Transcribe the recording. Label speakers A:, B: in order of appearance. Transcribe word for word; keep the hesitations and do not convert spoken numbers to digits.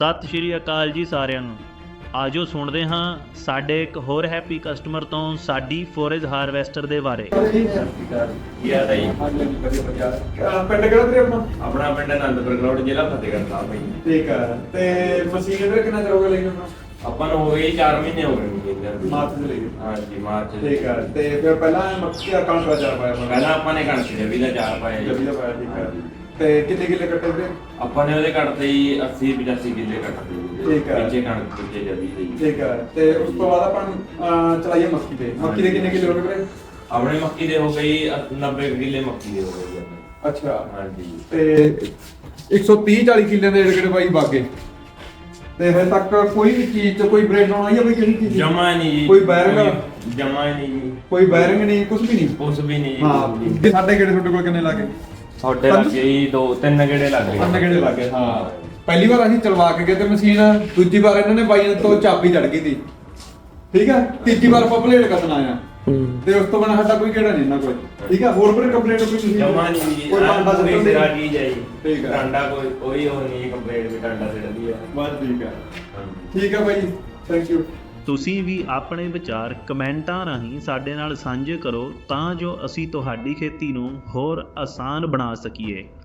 A: ਸਤਿ ਸ਼੍ਰੀ ਅਕਾਲ ਜੀ ਸਾਰਿਆਂ ਨੂੰ। ਆਜੋ ਸੁਣਦੇ ਹਾਂ ਸਾਡੇ ਇੱਕ ਹੋਰ ਹੈਪੀ ਕਸਟਮਰ ਤੋਂ ਸਾਡੀ ਫੋਰੇਜ ਹਾਰਵੈਸਟਰ ਦੇ ਬਾਰੇ।
B: ਕੀ ਹਾਲ ਹੈ ਜੀ?
C: ਪਿੰਡ ਕਿਹੜਾ ਤੇਰੇ ਆਪਣਾ?
B: ਆਪਣਾ ਪਿੰਡ ਅਨੰਦਪੁਰ ਗਰਾਊਂਡ, ਜ਼ਿਲ੍ਹਾ ਫਤਿਹਗੜ੍ਹ ਸਾਹਿਬ ਭਾਈ।
C: ਠੀਕ ਹੈ। ਤੇ ਮਸ਼ੀਨ ਇਹਦੇ ਕਿੰਨਾ ਚਿਰ ਹੋ ਗਿਆ ਲਈ ਨੂੰ?
B: ਆਪਾਂ ਨੂੰ ਹੋ ਗਏ ਚਾਰ ਮਹੀਨੇ ਹੋ ਗਏ ਮਸ਼ੀਨ ਦੇ।
C: ਮਾਰਚ ਦੇ ਲਈ।
B: ਹਾਂਜੀ ਮਾਰਚ ਦੇ।
C: ਠੀਕ ਹੈ। ਤੇ ਫਿਰ ਪਹਿਲਾਂ ਮੱਕੀ ਦਾ ਕਣਕ ਦਾ ਚਾਰ ਪਾਇਆ ਆਪਾਂ?
B: ਪਹਿਲਾਂ ਆਪਾਂ ਨੇ ਕਣਕ ਜਵੀ ਦਾ ਚਾਰ ਪਾਇਆ ਜੀ।
C: ਜਵੀ ਦਾ ਪਾਇਆ, ਠੀਕ ਹੈ। ਤੇ ਕਿੰਨੇ ਕਿੱਲੇ ਕੱਟੇ ਵੀਰੇ?
B: ਆਪਾਂ ਨੇ ਉਹਦੇ ਕੱਟਦੇ ਜੀ ਅੱਸੀ ਪਚਾਸੀ ਕਿੱਲੇ ਕੱਟਦੇ ਜੀ।
C: ਠੀਕ ਹੈ।
B: ਪਿੱਛੇ ਕਣਕ ਪਿੱਛੇ ਜਵੀ ਦੇ ਜੀ।
C: ਠੀਕ ਹੈ। ਤੇ ਉਸ ਤੋਂ ਬਾਅਦ ਆਪਾਂ ਅਹ, ਚਲਾਈਏ ਮੱਕੀ ਤੇ। ਮੱਕੀ ਦੇ ਕਿੰਨੇ ਕਿੱਲੇ ਹੋ ਗਏ ਵੀਰੇ?
B: ਆਪਣੇ ਮੱਕੀ ਦੇ ਹੋ ਗਈ ਨੱਬੇ ਕਿੱਲੇ ਮੱਕੀ ਦੇ ਹੋ ਗਏ ਜੀ ਆਪਣੇ।
C: ਅੱਛਾ।
B: ਹਾਂਜੀ।
C: ਤੇ ਇੱਕ ਸੌ ਤੀਹ ਚਾਲੀ ਕਿੱਲੇ ਦੇ ਜਿਹੜੇ ਬਾਈ ਬਾਗੇ ਤੇ ਹਜੇ ਤੱਕ ਕੋਈ ਵੀ ਚੀਜ਼ ਤੇ ਕੋਈ ਬ੍ਰੇਕ ਆਉਣਾ ਜਾਂ ਕੋਈ ਕਿਸੇ ਚੀਜ਼
B: ਜਮਾ ਨਹੀਂ ਜੀ।
C: ਕੋਈ ਬੈਰਿੰਗ
B: ਜਮਾ ਹੀ ਨਹੀਂ ਜੀ।
C: ਕੋਈ ਬੈਰਿੰਗ ਨਹੀਂ, ਕੁਝ ਵੀ ਨਹੀਂ।
B: ਕੁਛ ਵੀ ਨਹੀਂ ਜੀ।
C: ਹਾਂ। ਸਾਡੇ ਕਿਹੜੇ ਤੁਹਾਡੇ ਕੋਲ ਕਿੰਨੇ ਲੱਗੇ?
B: ਤੁਹਾਡੇ ਲੱਗੇ ਜੀ ਦੋ ਤਿੰਨ ਗੇੜੇ ਲੱਗ ਗਏ।
C: ਤਿੰਨ ਗੇੜੇ ਲੱਗੇ। ਹਾਂ। ਪਹਿਲੀ ਵਾਰ ਅਸੀਂ ਚਲਵਾ ਕੇ ਗਏ ਤੇ ਮਸ਼ੀਨ, ਦੂਜੀ ਵਾਰ ਇਹਨਾਂ ਨੇ ਬਾਈਆਂ ਤੋਂ ਚਾਬੀ ਚੜ ਗਈ ਸੀ। ਠੀਕ ਹੈ। ਤੀਜੀ ਵਾਰ ਆਪਾਂ ਪਲੇਟ ਕੱਢਣਾ ਆ ਤੇ ਉਸ ਤੋਂ ਬਿਨਾਂ ਸਾਡਾ ਕੋਈ ਕਿਹੜਾ ਨਹੀਂ ਨਾ ਕੋਈ। ਠੀਕ ਹੈ। ਹੋਰ ਕੋਈ ਕੰਪਲੇਂਟ ਕੋਈ ਨਹੀਂ?
B: ਜਮਾ ਨਹੀਂ ਜੀ।
C: ਕੋਈ ਡਾਂਡਾ
B: ਕੋਈ
C: ਸਿੱਟਣ
B: ਸਿਰਾ
C: ਦੀ?
B: ਚੀਜ਼ ਹੈ ਜੀ।
C: ਠੀਕ ਹੈ।
B: ਡਾਂਡਾ ਕੋਈ ਕੋਈ ਉਹ ਨਹੀਂ ਕੰਪਲੇਂਟ ਵੀ ਡਾਂਡਾ ਸਿੱਟਦੀ ਹੈ।
C: ਬਸ ਠੀਕ ਹੈ।
B: ਹਾਂਜੀ।
C: ਠੀਕ ਹੈ ਬਾਈ, ਥੈਂਕ ਯੂ।
A: ਤੁਸੀਂ ਵੀ ਆਪਣੇ ਵਿਚਾਰ ਕਮੈਂਟਾਂ ਰਾਹੀਂ ਸਾਡੇ ਨਾਲ ਸਾਂਝੇ ਕਰੋ ਤਾਂ ਜੋ ਅਸੀਂ ਤੁਹਾਡੀ ਖੇਤੀ ਨੂੰ ਹੋਰ ਆਸਾਨ ਬਣਾ ਸਕੀਏ।